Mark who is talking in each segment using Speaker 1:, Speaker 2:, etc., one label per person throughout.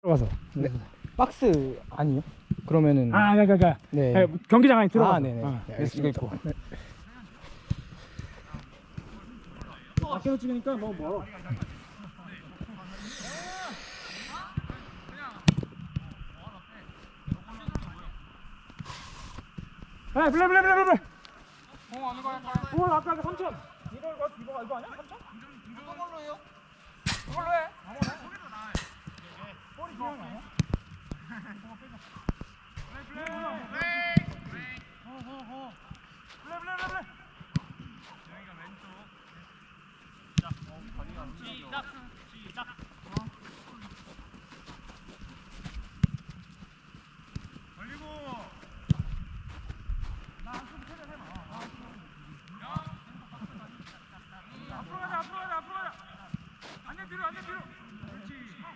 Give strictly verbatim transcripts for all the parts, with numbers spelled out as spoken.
Speaker 1: 들어가서. 네. 박스 아니요? 그러면은
Speaker 2: 아, 그러니까, 그러니까
Speaker 1: 네.
Speaker 2: 네, 경기장 안에 들어가.
Speaker 1: 아, 네네.
Speaker 2: 아,
Speaker 1: 네,
Speaker 2: 이거 있고.
Speaker 1: 네.
Speaker 2: 밖에서 찍으니까 너무 멀어. 아, 블레 블레 블레 블레. 공 어느 거 할까요? 공 아까 그 삼천. 이거 이거 이거 이거 아니야? 삼천? 이거 걸로 해요? 그걸로 해. 아무나. 볼이 중요한 거 아니야? 블레 블레 블레. 호호호. 블레 블레 블레 블레. 여기가 왼쪽. 시작. 어, 다리가 안 시작. 시작. 걸리고. 앞으로 가자, 앞으로 가자, 앞으로 가자. 안녕 뒤로, 안녕 뒤로. 그렇지.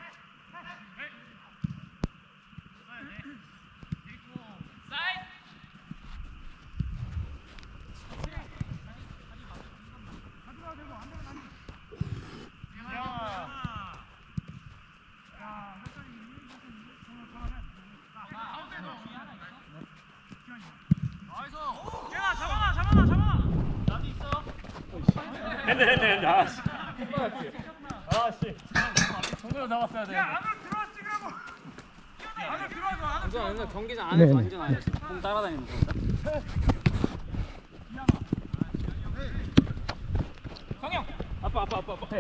Speaker 2: 사이드. 가져가야 되고 안 되면 안 돼. 야. 야, 몇살이 오늘 전화해. 가운데 넣어. 나이스. 걔가 잡아놔, 잡아놔, 잡아놔. 나도 있어.
Speaker 3: 핸드 핸드 핸드 아씨 아씨 정도로 잡았어야 돼.
Speaker 2: 야, 안으로 들어와 찍으라고. 안으로 들어와서 안으로
Speaker 3: 완전
Speaker 2: 들어와서.
Speaker 3: 완전 경기장 안에서
Speaker 1: 네.
Speaker 3: 완전 안에서 공 따라다니는 거.
Speaker 2: 성형.
Speaker 3: 아빠 아빠 아빠 아빠.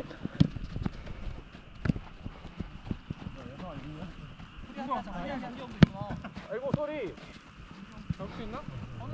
Speaker 2: 아이고 소리. 잡을 수 있나?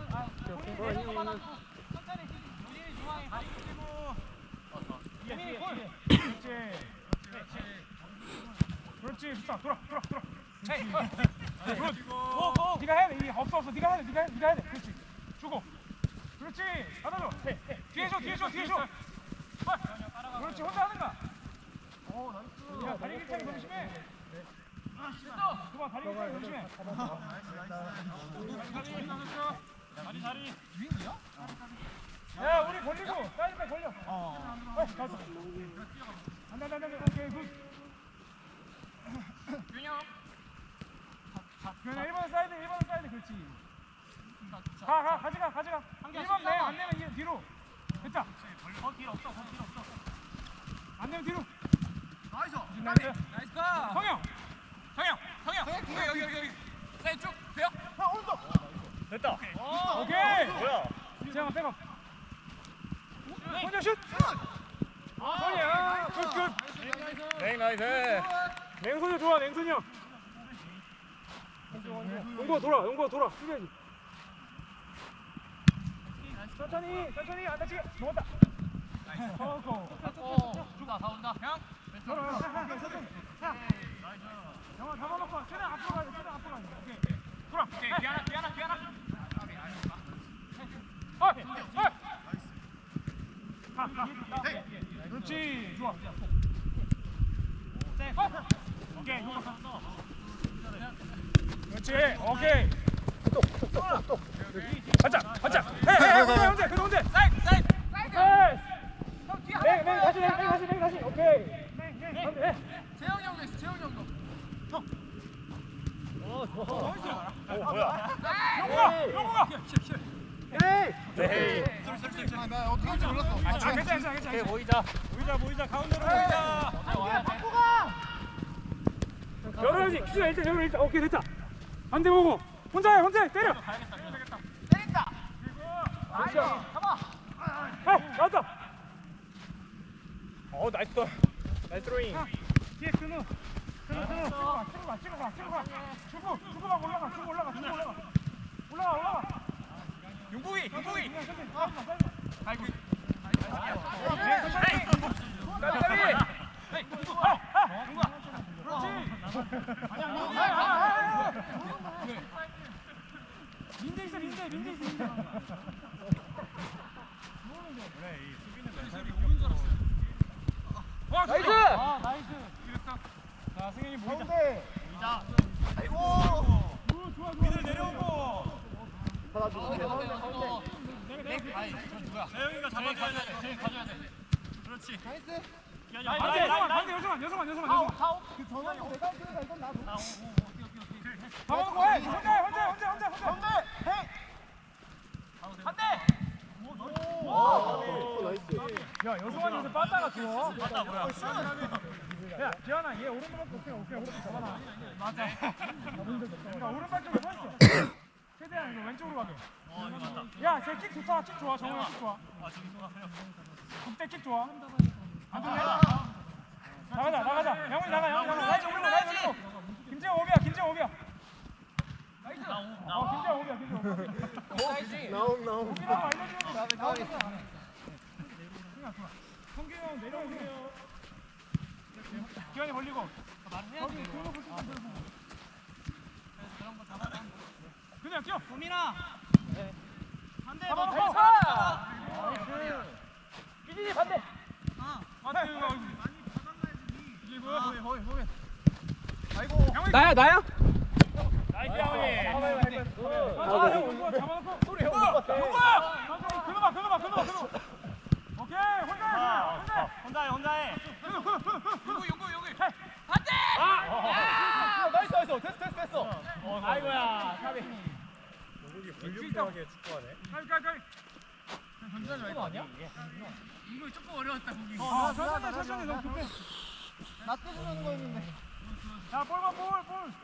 Speaker 2: 그렇지. 좋다. 돌아, 돌아, 돌아. 굿. 고, 고. 네가 해야 돼. 이 없어, 없어. 네가 해야 돼. 네가 해, 네가 해야 돼. 그렇지. 주고. 그렇지. 받아줘. 뒤에 줘, 뒤에 줘, 뒤에 줘. 그렇지. 혼자 하는가? 오, 나이스. 야, 다리 길창이 너무 심해. 됐어. 그만 다리 길창이 너무 심해. 다리, 다리. 윙이야? 야, 우리 걸리고 사이드백 걸려. 어. 어, 가자. 안돼, 안돼, 안돼. 오케이, 굿. 균형. 균형 일 번 사이드, 일 번 사이드, 그렇지. 가, 가, 가져가, 가져가. 일 번 내, 안 내면 이 뒤로. 됐다. 더 길 없어, 더 길 없어. 안 내면 뒤로. 나이스. 나이스. 나이스 가. 성형. 성형, 성형. 여기, 여기, 여기, 여기. 사이드 쭉. 돼요? 형, 오른쪽.
Speaker 3: 됐다.
Speaker 2: 오케이.
Speaker 3: 뭐야?
Speaker 2: 지영아, 백업. 혼자 슛. 성이야. 굿, 굿.
Speaker 3: 네 나이스.
Speaker 2: 냉손이 좋아, 냉손이 형. 용구가 돌아, 용구가 돌아. 숙여야지. 천천히, 천천히, 안 다치게. 먹었다. 어고.
Speaker 3: 주가 다 온다. 형.
Speaker 2: 돌아. 천천히. 영아 잡아놓고 최대한 앞으로 가야 돼. 최대한 앞으로 가야 돼. 오케이. 돌아. 오케이. 기아나, 기아나, 기아나. 어, 어. 가, 가. 그렇지. 좋아. 오케이. 그렇지. 오케이. 똑똑똑똑. 가자. 가자. 해, 해, 해. 혼자, 혼자. 그래도 혼자. 사이드, 사이드. 사이드. 형 뒤에. 네, 네, 다시, 네, 다시, 네, 다시. 오케이. 네, 네. 네.
Speaker 3: 재영이 형도 있어. 재영이 형도. 형. 어 좋아. 어 뭐야?
Speaker 2: 용구가, 용구가.
Speaker 3: 에이.
Speaker 2: 네.
Speaker 3: 아, 나 어떻게 할지 몰랐어.
Speaker 2: 아, 괜찮아, 괜찮아, 괜찮아.
Speaker 3: 오케이 모이자.
Speaker 2: 모이자, 모이자. 가운데로 모이자. 열어야지. 기준아 일단 열어 일단. 오케이 됐다. 반대 보고. 혼자 해, 혼자 해. 때려. 때린다. 나이스. 잡아. 해, 나왔다.
Speaker 3: 어 나이스 더. 나이스 드로잉.
Speaker 2: 뒤에 근우. 근우, 근우. 찍어 가, 찍어 가, 찍어 가, 찍어 가. 주고, 주고 막 올라가, 주고 올라가, 주고 올라가. 올라가, 올라가.
Speaker 3: 용국이, 용국이.
Speaker 2: 아이고. 민재 있어, 민재, 민재 있어, 민재. 그래, 이 수비는 멘탈이 오는 줄 알았어. 와, 나이스. 아, 나이스. 자, 승현이 모이자. 모이자. 아이고. 오, 좋아, 좋아. 미들 내려오고. 받아주고. 아이, 저 누구야? 재영이가 잡아줘야 돼. 재영이 가져야 돼. 그렇지. 나이스. 반대 여성만 반대 여성만 여성만 여성만 여성만.
Speaker 3: 그 전화용 내가 그래가 이건 나도.
Speaker 2: 잡아놓고 해. 혼자 해 혼자 해 혼자 혼자 혼자.
Speaker 3: 가운데 해. 반대.
Speaker 4: 오, 나이스.
Speaker 2: 야 여성한테서 빠따가 좋아. 빠따 뭐야? 야 지현아 얘 오른발 맞고 오케이 오케이 오른발 잡아놔. 맞아. 그러니까 오른발 쪽에 서 있어. 최대한 이거 왼쪽으로 가게.
Speaker 5: 어 이거 맞다.
Speaker 2: 야쟤 킥 좋다 킥 좋아 정우야 킥 좋아.
Speaker 5: 아 저기 누가 그냥.
Speaker 2: 국대 킥 좋아. 안 좋네. 나가자 나가자. 영훈이 나가 영훈이 나가. 나이스 올리고 나이스 올리고. 김재호 오비야 김재호 오비야. 어 김재호 오비야 김재호 오비야.
Speaker 4: 나옴, 나옴.
Speaker 2: 오비라고 알려주면 돼. 성규 형 내려오세요. 기현이 벌리고. 거기 그거 붙일 때 들고. 그냥 뛰어.
Speaker 5: 도민아.
Speaker 3: 반대.
Speaker 2: 잡아놓고.
Speaker 3: 나이스.
Speaker 2: 기진이 반대. 맞다 이거. 이게 뭐야?
Speaker 3: 거기 거기 거기.
Speaker 2: 영훈이.
Speaker 1: 나야 나야?
Speaker 2: 나이스 영훈이.
Speaker 4: 아,
Speaker 2: 형 이거 잡아놓고. 소리 형 못 봤다. 형아. 그거 봐 그거 봐 그거 봐 그거. 오케이 혼자 해 혼자.
Speaker 5: 혼자 해 혼자 해.
Speaker 2: 요거 요거 요거.
Speaker 3: 아, 나이스 나이스. 됐어 됐어 됐어.
Speaker 2: 아이고야. 가비.
Speaker 4: 여기 불륜하게 축구하네.
Speaker 2: 가비 가비 가비.
Speaker 3: 전자는 왜 아니야?
Speaker 5: 이거 조금 어려웠다 거기.
Speaker 2: 아 천천히 천천히 너무 급해.
Speaker 3: 나 떼주려는 거였는데.
Speaker 2: 자 볼만 볼 볼.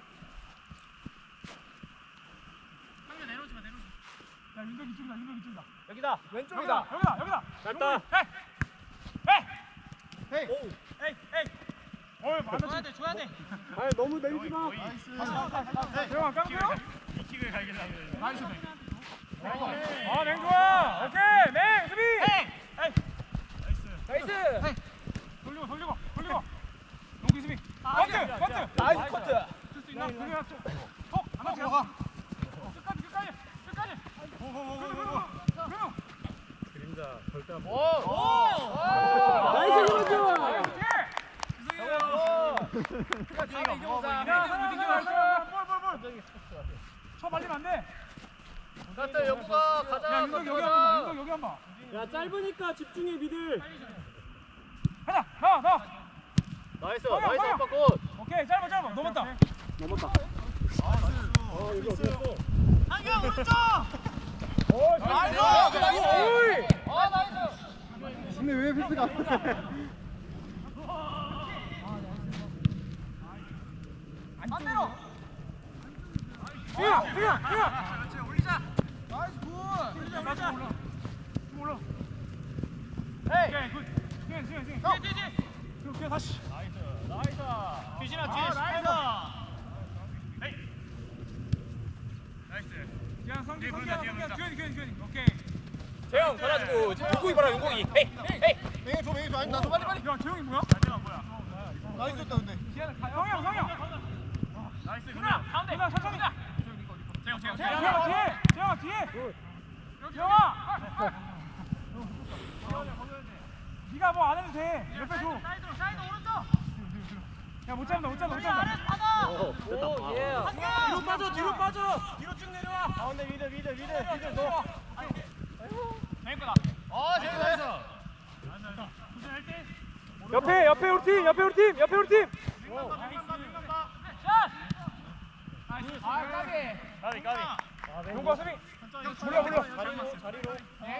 Speaker 5: 상대 내려오지 마 내려오지
Speaker 2: 야 윤덕이 이쪽이다 윤덕이 이쪽이다.
Speaker 3: 여기다.
Speaker 2: 왼쪽이다. 여기다 여기다.
Speaker 4: 갔다.
Speaker 2: 헤이 헤이.
Speaker 3: 헤이.
Speaker 4: 오.
Speaker 2: 에이 에이. 어이
Speaker 5: 마.
Speaker 2: 많아.
Speaker 5: 줘야 돼 줘야 돼.
Speaker 4: 아, 너무 내리지 마.
Speaker 3: 나이스.
Speaker 2: 대왕 깡패요?
Speaker 5: 이 킥을 갈기려고.
Speaker 2: 나이스 맹. 아, 맹 좋아. 오케이, 맹 수비. 에이.
Speaker 5: 나이스.
Speaker 2: 나이스. 돌리고 돌리고 돌리고. 용기 수비. 커트 커트.
Speaker 3: 나이스 커트.
Speaker 2: 쓸 수 있나? 그래야 좀. 톡. 안 맞지? 끝까지 끝까지 끝까지. 오오오오오.
Speaker 4: 그림자 절대 안
Speaker 3: 오.
Speaker 4: 보여.
Speaker 3: 오.
Speaker 1: 나이스 김원준!
Speaker 3: 다음에 이겨보자.
Speaker 2: 야, 하나 하나 볼볼 볼. 쳐 말리면 안 돼.
Speaker 3: 갔다 영구가
Speaker 2: 야,
Speaker 3: 가자.
Speaker 2: 윤덕 여기 한 번. 윤덕 여기 한 번.
Speaker 1: 야 짧으니까 집중해 미들.
Speaker 2: 하나, 나, 나.
Speaker 4: 나이스,
Speaker 2: 성형,
Speaker 4: 나이스
Speaker 2: 성형.
Speaker 4: 아빠 꽃.
Speaker 2: 오케이, 짧아, 짧아. 넘었다.
Speaker 1: 넘었다.
Speaker 4: 아, 이거 어땠어?
Speaker 5: 한경 오른쪽.
Speaker 2: 오,
Speaker 3: 나이스.
Speaker 2: 나이스.
Speaker 3: 나이스. 아 나이스.
Speaker 4: 근데 왜 패스가 안 돼?
Speaker 3: 반대로.
Speaker 2: 승현, 승현, 승현.
Speaker 5: 그렇지 올리자.
Speaker 3: 나이스 굿.
Speaker 2: 올라, 올라. 좀 올라.
Speaker 3: 헤이.
Speaker 2: 오케이, 굿. 승현, 승현, 승현.
Speaker 3: 형.
Speaker 5: 뒤에 뒤에.
Speaker 2: 그럼 그냥 다시.
Speaker 5: 규진아
Speaker 3: 아,
Speaker 5: 뒤에
Speaker 3: 나이스.
Speaker 5: 나이스. 에이. 나이스.
Speaker 2: 그냥 성기,
Speaker 5: 뒤에
Speaker 2: 성기,
Speaker 5: 보인다, 뒤에
Speaker 2: 성기.
Speaker 5: 보인다.
Speaker 2: 규현이, 규현이, 규현이. 오케이.
Speaker 3: 재영 받아주고 용공이 봐라 용공이. 헤이 헤이. 맹이 줘 맹이 줘. 아니 나도 빨리 빨리.
Speaker 2: 야, 재영이 뭐야?
Speaker 5: 마지막 뭐야?
Speaker 3: 나이스였다 근데.
Speaker 2: 성형, 성형.
Speaker 5: 나이스 그냥.
Speaker 2: 가운데. 그냥 천천히.
Speaker 5: 재영 재영
Speaker 2: 재영아,
Speaker 5: 재영.
Speaker 2: 뒤에. 재영아, 뒤에. 재영아. 네가 뭐 안 해도 돼. 옆에 줘.
Speaker 5: 사이드로 사이드 오른쪽.
Speaker 2: 야, 못 잡는다, 못 잡는다, 못
Speaker 5: 우리
Speaker 2: 잡는다.
Speaker 5: 아래서 받아.
Speaker 4: 오, 됐다.
Speaker 3: 예.
Speaker 5: 한경.
Speaker 2: 뒤로 빠져, 뒤로 빠져.
Speaker 5: 뒤로 쭉 내려와.
Speaker 2: 가운데 미드, 미드, 미드, 미드 너.
Speaker 5: 맹 거다.
Speaker 3: 아 재영 나이스.
Speaker 5: 도전할 때.
Speaker 2: 옆에, 옆에 우리 팀, 옆에 우리 팀, 옆에 우리 팀.
Speaker 5: 샷.
Speaker 3: 아 까비.
Speaker 5: 가비 가비.
Speaker 2: 용과 수비. 몰라, 몰라.
Speaker 5: 자리로 자리로.